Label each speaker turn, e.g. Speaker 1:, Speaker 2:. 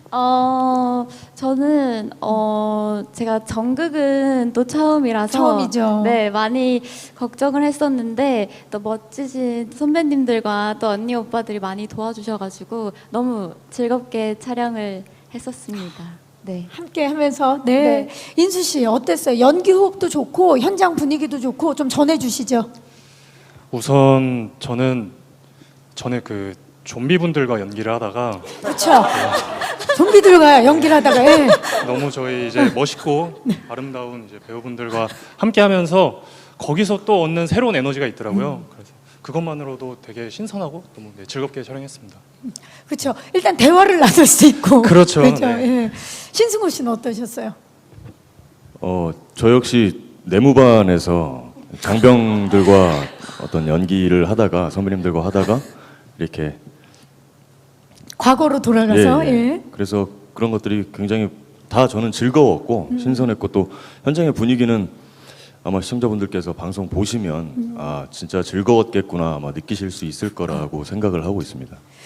Speaker 1: 저는 제가 정극은 또 처음이라서
Speaker 2: 처음이죠.
Speaker 1: 네, 많이 걱정을 했었는데 또 멋지신 선배님들과 또 언니 오빠들이 많이 도와주셔가지고 너무 즐겁게 촬영을 했었습니다. 네.
Speaker 2: 함께 하면서 네.
Speaker 1: 네.
Speaker 2: 인수 씨 어땠어요? 연기 호흡도 좋고 현장 분위기도 좋고 좀 전해 주시죠.
Speaker 3: 우선 저는 전에 그 좀비분들과 연기를 하다가
Speaker 2: 그렇죠. 좀비들과 연기를 하다가 예.
Speaker 3: 너무 저희 이제 멋있고 아름다운 이제 배우분들과 함께하면서 거기서 또 얻는 새로운 에너지가 있더라고요. 그래서 그것만으로도 되게 신선하고 너무 즐겁게 촬영했습니다.
Speaker 2: 그렇죠. 일단 대화를 나눌 수 있고.
Speaker 3: 그렇죠.
Speaker 2: 그렇죠.
Speaker 3: 네.
Speaker 2: 예. 신승호 씨는 어떠셨어요?
Speaker 4: 저 역시 내무반에서 장병들과 어떤 연기를 하다가 선배님들과 하다가 이렇게
Speaker 2: 과거로 돌아가서 예.
Speaker 4: 그래서 그런 것들이 굉장히 다 저는 즐거웠고 신선했고 또 현장의 분위기는 아마 시청자분들께서 방송 보시면 아 진짜 즐거웠겠구나 아마 느끼실 수 있을 거라고 생각을 하고 있습니다.